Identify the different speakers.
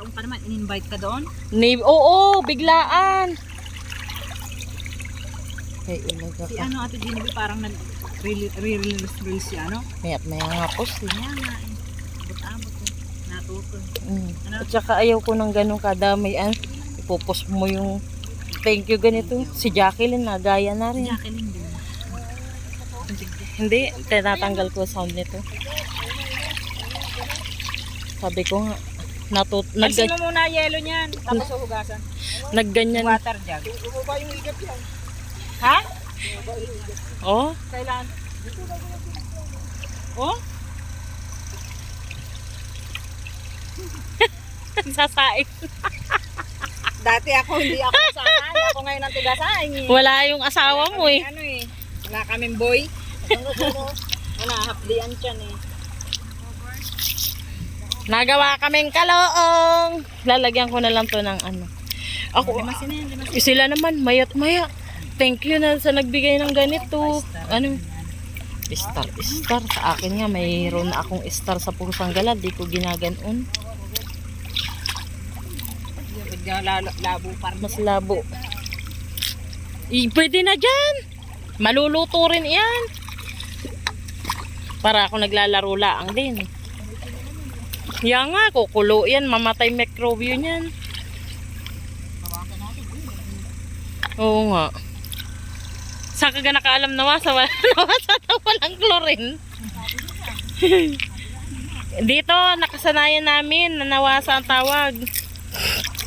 Speaker 1: ano ka naman, in-invite ka doon?
Speaker 2: Oo, biglaan. Ay, umaga
Speaker 1: Si
Speaker 2: ka.
Speaker 1: ano, Ate Genevieve, parang nag-release siya, ano?
Speaker 2: Maya't maya nga po siya.
Speaker 1: Kaya nga eh. Abot-abot eh. Natuto. Ano?
Speaker 2: At saka ayaw ko ng ganun kadamay. Ipupos mo yung thank you ganito. Si Jacqueline nagaya na
Speaker 1: Si
Speaker 2: rin.
Speaker 1: Jacqueline din.
Speaker 2: Hindi, tinatanggal ko sound nito. Sabi ko nga,
Speaker 1: Alisin mo muna yelo niyan. Tapos uhugasan.
Speaker 2: nagganyan.
Speaker 1: Water jug. Ha?
Speaker 2: Oh,
Speaker 1: Kailan? Oh?
Speaker 2: sasaing.
Speaker 1: Dati hindi ako sasahin. Ako ngayon ang tigasahin eh.
Speaker 2: Wala yung asawa mo eh.
Speaker 1: Ano eh. Wala kaming boy. Wala, hapdian siya eh.
Speaker 2: Nagawa kaming kaloong. Lalagyan ko na lang to ng ano. Ako, sila naman, mayat maya. Thank you na sa nagbigay ng ganito. Ano? Star. Sa akin nga, mayroon na akong star sa pusang galad. Di ko ginaganon.
Speaker 1: Labo pa rin.
Speaker 2: Mas labo. Pwede na dyan. Maluluto rin yan. Para ako naglalaro laang din. Yan nga, kukulo yan. Mamatay microbio niyan. Oo nga. Saan ka nakaalam nawasa? Nawasa na walang chlorine. Dito, nakasanayan namin na nawasa ang tawag.